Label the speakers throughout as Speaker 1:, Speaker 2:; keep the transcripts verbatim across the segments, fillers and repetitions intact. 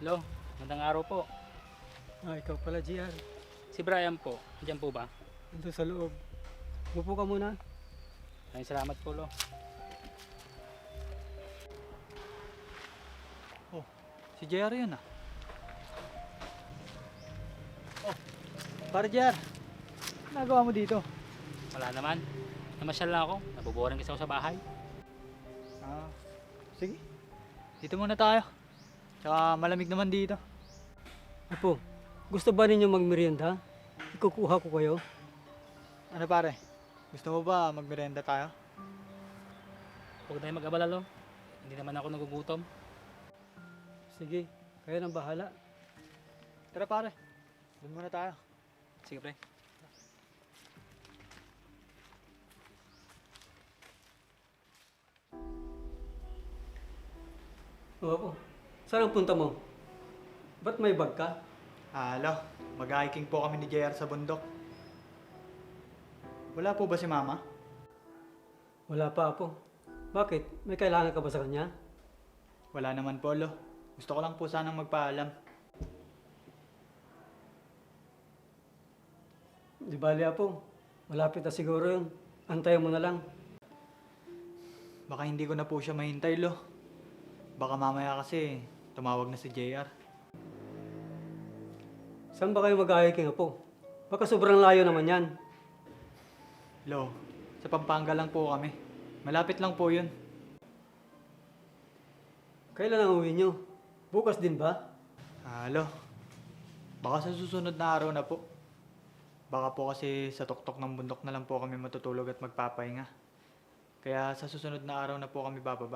Speaker 1: Hello, magandang araw po.
Speaker 2: Ah, ikaw pala, G R.
Speaker 1: Si Brian po, andyan po ba?
Speaker 2: Nandun sa loob. Upo ka muna.
Speaker 1: Maraming salamat po, Lo.
Speaker 3: Oh, si J R yun ah. Oh, para J R. Nagawa mo dito?
Speaker 1: Wala naman. Namasyal lang ako. Naboboring kasi ako sa bahay.
Speaker 3: Ah, sige. Dito muna tayo. Tsaka malamig naman dito.
Speaker 2: Apo, gusto ba ninyo magmerienda? Ikukuha ko kayo.
Speaker 3: Ano pare? Gusto mo ba magmerenda tayo?
Speaker 1: Huwag na mag-abala, Lo. Hindi naman ako nagugutom.
Speaker 2: Sige, kayo nang bahala.
Speaker 3: Tara pare. Doon muna tayo.
Speaker 1: Sige, pre.
Speaker 2: Oo, saan ang punta mo? Ba't may bag ka?
Speaker 3: Halo, mag-hiking po kami ni J R sa bundok. Wala po ba si Mama?
Speaker 2: Wala pa, Apo. Bakit? May kailangan ka ba sa kanya?
Speaker 3: Wala naman po, Lo. Gusto ko lang po sanang magpaalam.
Speaker 2: Di bali, Apo. Malapit na siguro yun. Antayin mo na lang.
Speaker 3: Baka hindi ko na po siya mahintay, Lo. Baka mamaya kasi tumawag na si J R.
Speaker 2: Saan ba kayo mag-hiking, Apo? Baka sobrang layo naman yan.
Speaker 3: Lo, sa Pampanga lang po kami. Malapit lang po yun.
Speaker 2: Kailan ang uwi nyo? Bukas din ba?
Speaker 3: Halo, baka sa susunod na araw na po. Baka po kasi sa tuktok ng bundok na lang po kami matutulog at magpapahinga. Kaya sa susunod na araw na po kami bababa.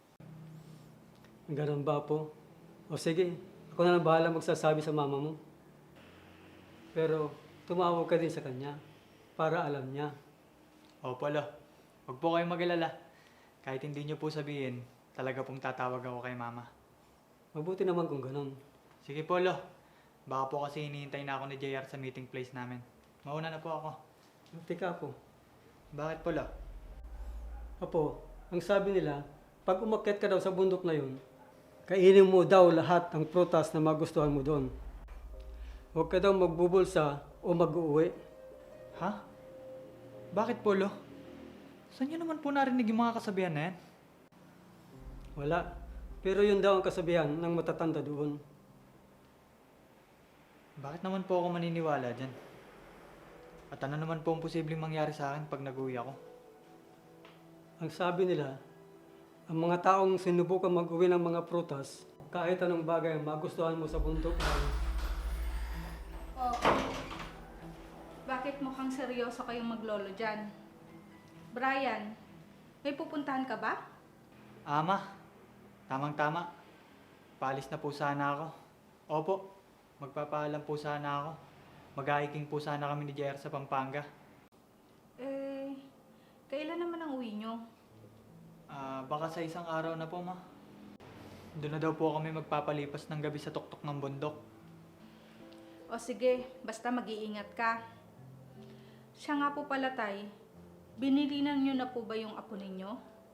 Speaker 2: Ganun ba, Apo? O sige, ako na lang bahala magsasabi sa mama mo. Pero tumawag ka din sa kanya para alam niya.
Speaker 3: Opo, Lo. Huwag po kayong mag-alala. Kahit hindi niyo po sabihin, talaga pong tatawag ako kay Mama.
Speaker 2: Mabuti naman kung ganun.
Speaker 3: Sige po, Lo. Baka po kasi hinihintay na ako ni J R sa meeting place namin. Mauna na po ako.
Speaker 2: Teka, Apo.
Speaker 3: Bakit po, Lo?
Speaker 2: Apo, ang sabi nila, pag umakyat ka daw sa bundok na yun, kainin mo daw lahat ng prutas na magustuhan mo doon. Huwag ka daw magbubulsa o mag-uwi.
Speaker 3: Ha? Bakit po, Lo? Saan niyo naman po narinig yung mga kasabihan na yan?
Speaker 2: Wala. Pero yun daw ang kasabihan ng matatanda doon.
Speaker 3: Bakit naman po ako maniniwala dyan? At ano naman po ang posibleng mangyari sa akin pag nag-uwi ako?
Speaker 2: Ang sabi nila, ang mga taong sinubukan mag-uwi ng mga prutas, kahit anong bagay ang magustuhan mo sa bundok ay
Speaker 4: Oo. Bakit mukhang seryoso kayong maglolo dyan? Brian, may pupuntahan ka ba?
Speaker 3: Ama, tamang-tama. Paalis na po sana ako. Opo, magpapaalam po sana ako. Mag-hiking po sana kami ni J R sa Pampanga.
Speaker 4: Eh, kailan naman ang uwi nyo?
Speaker 3: Ah, baka sa isang araw na po, ma. Doon na daw po kami magpapalipas ng gabi sa tuktok ng bundok.
Speaker 4: O sige, basta mag-iingat ka. Siya nga po pala, tay. Binilinan nyo na po ba yung apo ninyo?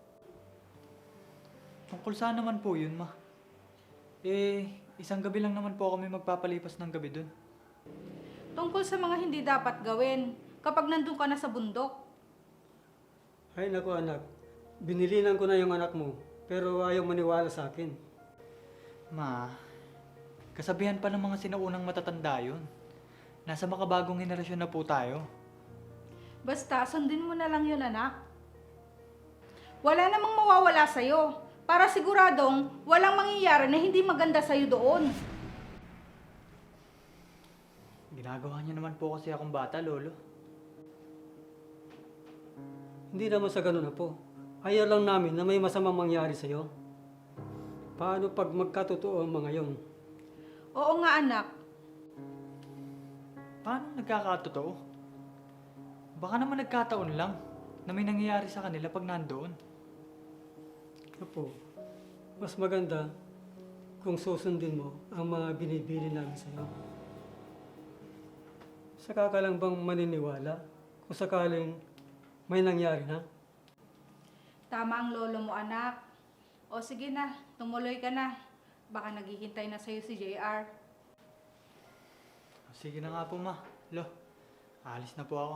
Speaker 3: Tungkol saan naman po yun, ma? Eh, isang gabi lang naman po kami magpapalipas ng gabi doon.
Speaker 4: Tungkol sa mga hindi dapat gawin kapag nandun ka na sa bundok.
Speaker 2: ay naku anak, binilinan ko na yung anak mo, pero ayaw maniwala sa akin.
Speaker 3: Ma, kasabihan pa ng mga sinaunang matatanda yun. Nasa makabagong henerasyon na po tayo.
Speaker 4: Basta, sundin mo na lang yun, anak. Wala namang mawawala sa'yo. Para siguradong walang mangyayari na hindi maganda sa'yo doon.
Speaker 3: Ginagawa niyo naman po kasi akong bata, Lolo.
Speaker 2: Hindi naman sa ganun na po. Ayaw lang namin na may masamang mangyari sa'yo. Paano pag magkatotoo ang mga yon?
Speaker 4: Oo nga, anak.
Speaker 3: Paano nagkakatotoo? Baka naman nagkataon lang na may nangyayari sa kanila pag nandoon.
Speaker 2: Apo, mas maganda kung susundin mo ang mga binibili namin sa'yo. Saka ka lang bang maniniwala kung sakaling may nangyari na?
Speaker 4: Tama ang lolo mo, anak. O sige na, tumuloy ka na. Baka naghihintay na sa'yo si J R.
Speaker 3: Sige na nga po, ma. Lo, alis na po ako.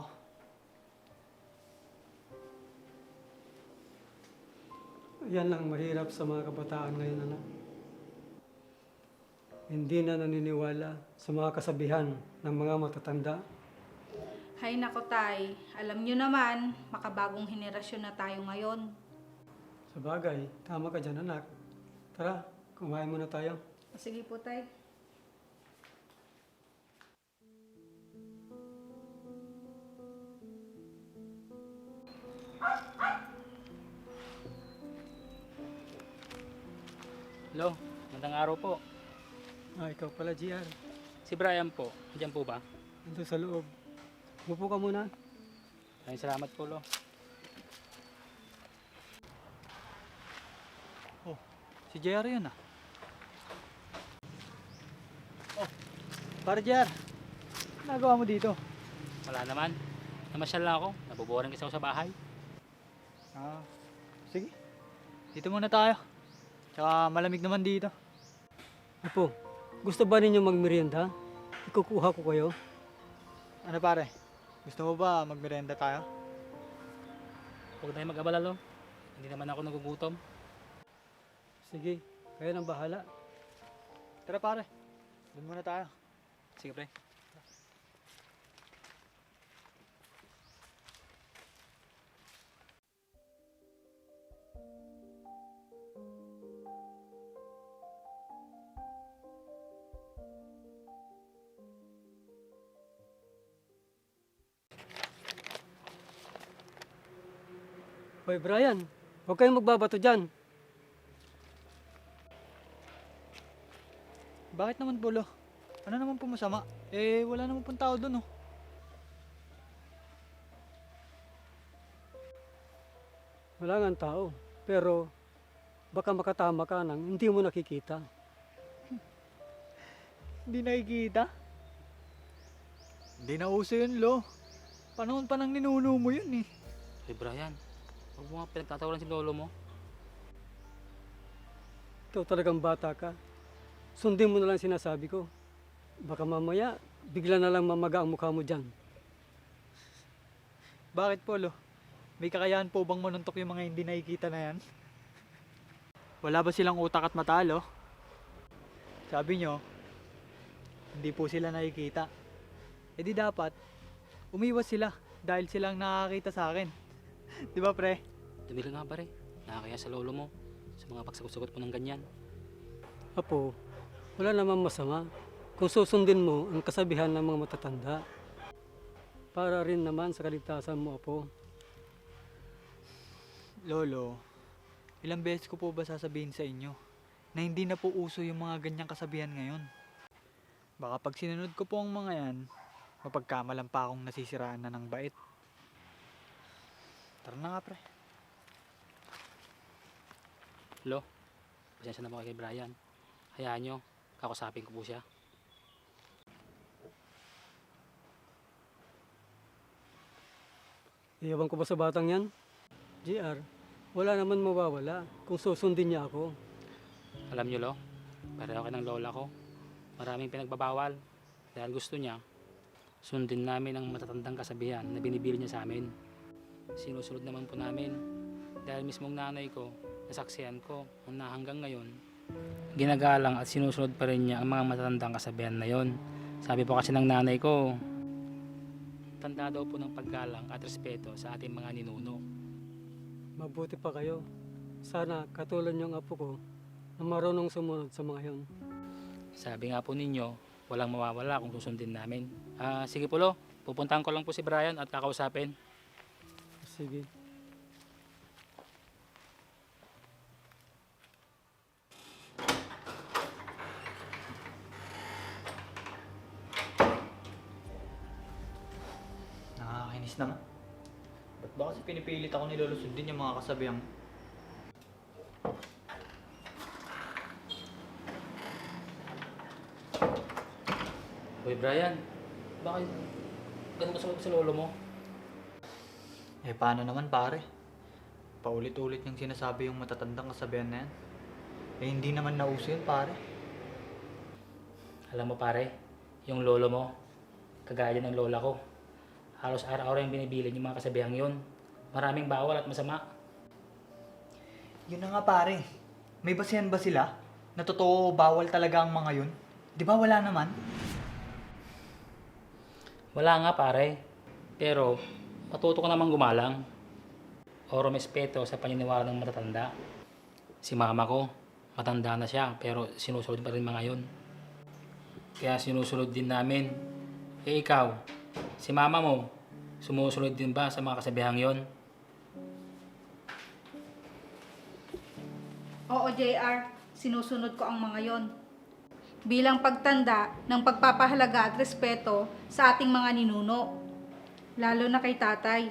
Speaker 2: Yan lang mahirap sa mga kabataan ngayon, anak. Hindi na naniniwala sa mga kasabihan ng mga matatanda.
Speaker 4: Hay nako tay, alam nyo naman, makabagong henerasyon na tayo ngayon.
Speaker 2: Sa bagay, tama ka dyan, anak. Tara, kumain muna tayo.
Speaker 4: O, sige po tay.
Speaker 1: Hello, magandang araw po.
Speaker 2: Ah, ikaw pala, G R.
Speaker 1: Si Brian po, andyan po ba?
Speaker 2: Ito sa loob. Upo ka muna.
Speaker 1: Maraming salamat po, Lo.
Speaker 3: Oh, si J R yun ah. Oh, para J R. Nagawa mo dito?
Speaker 1: Wala naman. Namasyal lang ako. Naboboring kasi ako sa bahay.
Speaker 3: Ah, sige. Dito muna tayo. Tsaka malamig naman dito.
Speaker 2: Apo, gusto ba ninyo magmerienda? Ikukuha ko kayo.
Speaker 3: Ano pare? Gusto mo ba magmerenda tayo?
Speaker 1: Huwag na mag-abala, Lo. Hindi naman ako nagugutom.
Speaker 2: Sige, kayo nang bahala.
Speaker 3: Tara pare. Doon muna tayo.
Speaker 1: Sige, pre.
Speaker 2: Hoy, Brian, huwag kayong magbabato dyan.
Speaker 3: Bakit naman Polo? Ano naman po masama? Eh, wala naman pong tao doon oh.
Speaker 2: Wala nga tao, pero baka makatama ka nang hindi mo nakikita.
Speaker 3: Hindi nakikita? Hindi na uso yun, lo. Panahon pa nang ninuno mo yun eh.
Speaker 1: Hey, Brian. Huwag mo nga pinagtatawalan si lolo mo.
Speaker 2: Ikaw talagang bata ka. Sundin mo na lang sinasabi ko. Baka mamaya, bigla na lang mamaga ang mukha mo dyan.
Speaker 3: Bakit Polo? May kakayahan po bang manuntok yung mga hindi nakikita na yan? Wala ba silang utak at mata, lo? Sabi nyo, hindi po sila nakikita. E di dapat, umiwas sila dahil silang nakakita sa akin. Di ba pre?
Speaker 1: Dumili nga, pare. Nakakaya sa lolo mo. Sa mga pagsagot-sagot mo ng ganyan.
Speaker 2: Apo, wala namang masama kung susundin mo ang kasabihan ng mga matatanda. Para rin naman sa kaligtasan mo, Apo.
Speaker 3: Lolo, ilang beses ko po ba sasabihin sa inyo na hindi na po uso yung mga ganyang kasabihan ngayon? Baka pag sinunod ko po ang mga yan, mapagkamalan pa akong nasisiraan na ng bait. Tara na nga pre.
Speaker 1: Lo, pasensya na po kay Brian. Hayaan nyo, kakusapin ko po siya.
Speaker 2: Iyawan ko ba sa batang yan? G R, wala naman mawawala kung susundin niya ako.
Speaker 1: Alam nyo, Lo, pareho kayo ng lola ko. Maraming pinagbabawal. Dahil gusto niya, sundin namin ang matatandang kasabihan na binibili niya sa amin. Sinusunod naman po namin. Dahil mismong nanay ko, nasaksihan ko, kung na hanggang ngayon, ginagalang at sinusunod pa rin niya ang mga matatandang kasabihan na yon. Sabi po kasi ng nanay ko, tanda daw po ng paggalang at respeto sa ating mga ninuno.
Speaker 2: Mabuti pa kayo. Sana katulad niyong apo ko na marunong sumunod sa mga yon.
Speaker 1: Sabi nga po ninyo, walang mawawala kung susundin namin. Ah, sige po, Lo, pupuntahan ko lang po si Brian at kakausapin.
Speaker 2: Sige.
Speaker 3: Nakakainis naman. Ba't ba kasi pinipilit ako ni Lolo sundin yung mga kasabihang?
Speaker 1: Hoy Brian, bakit ganun ka sa lolo mo?
Speaker 3: Eh paano naman pare? Paulit-ulit niyang sinasabi yung matatandang kasabihan na yan. Eh hindi naman nauso yun pare.
Speaker 1: Alam mo pare, yung lolo mo, kagaya din ng lola ko. Halos araw-araw yung binibilin yung mga kasabihang yun. Maraming bawal at masama.
Speaker 3: Yun na nga pare. May basihan ba sila? Na totoo bawal talaga ang mga yun? Di ba wala naman?
Speaker 1: Wala nga pare, pero matuto ka namang gumalang. O rumespeto sa paniniwala ng matatanda. Si mama ko, matanda na siya, pero sinusunod pa rin mga yun. Kaya sinusunod din namin. Eh ikaw, si mama mo, sumusunod din ba sa mga kasabihang yon?
Speaker 4: Oo, J R, sinusunod ko ang mga yon. Bilang pagtanda ng pagpapahalaga at respeto sa ating mga ninuno, lalo na kay tatay.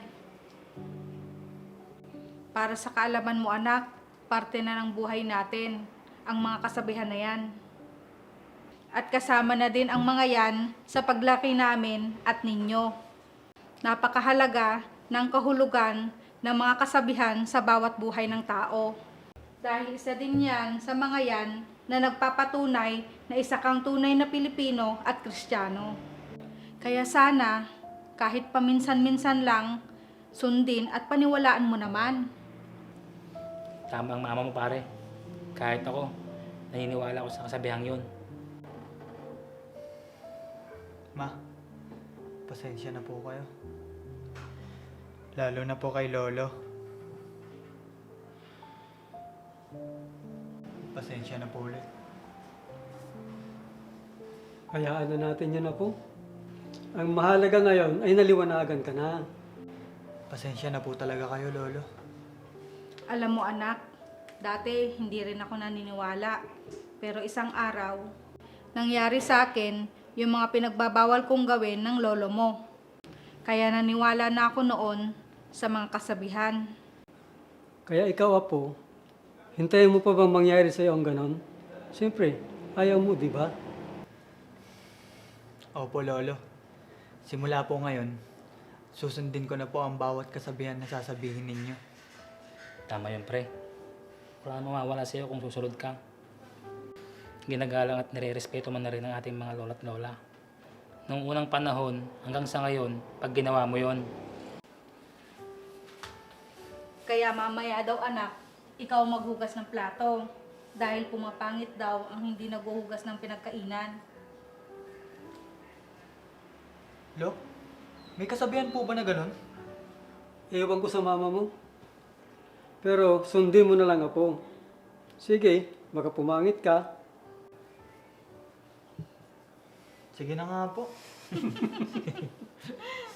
Speaker 4: Para sa kaalaman mo anak, parte na ng buhay natin ang mga kasabihan na yan. At kasama na din ang mga yan sa paglaki namin at ninyo. Napakahalaga ng kahulugan ng mga kasabihan sa bawat buhay ng tao. Dahil isa din yan sa mga yan na nagpapatunay na isa kang tunay na Pilipino at Kristiyano. Kaya sana, kahit paminsan-minsan lang, sundin at paniwalaan mo naman.
Speaker 1: Tama ang mama mo pare. Kahit ako, naniniwala ako sa kasabihang yun.
Speaker 3: Ma, pasensya na po kayo. Lalo na po kay Lolo. Pasensya na po ulit.
Speaker 2: Hayaan na natin yun po. Ang mahalaga ngayon ay naliwanagan ka na.
Speaker 3: Pasensya na po talaga kayo, Lolo.
Speaker 4: Alam mo anak, dati hindi rin ako naniniwala. Pero isang araw, nangyari sa akin yung mga pinagbabawal kong gawin ng lolo mo. Kaya naniwala na ako noon sa mga kasabihan.
Speaker 2: Kaya ikaw, Apo, hintayin mo pa bang mangyari sa'yo ang ganon? Siyempre, ayaw mo, di ba?
Speaker 3: Opo, Lolo. Simula po ngayon, susundin ko na po ang bawat kasabihan na sasabihin ninyo.
Speaker 1: Tama yun pre. Wala nang mawawala sa'yo kung susunod ka. Ginagalang at nire-respeto man na rin ang ating mga lola't lola. Noong unang panahon hanggang sa ngayon, pag ginawa mo yon.
Speaker 4: Kaya mamaya daw anak, ikaw maghugas ng plato. Dahil pumapangit daw ang hindi naghuhugas ng pinagkainan.
Speaker 3: Lo, may kasabihan po ba na ganun?
Speaker 2: Ewan ko sa mama mo. Pero sundin mo na lang, Apo. Sige, baka pumangit ka.
Speaker 3: Sige na nga po.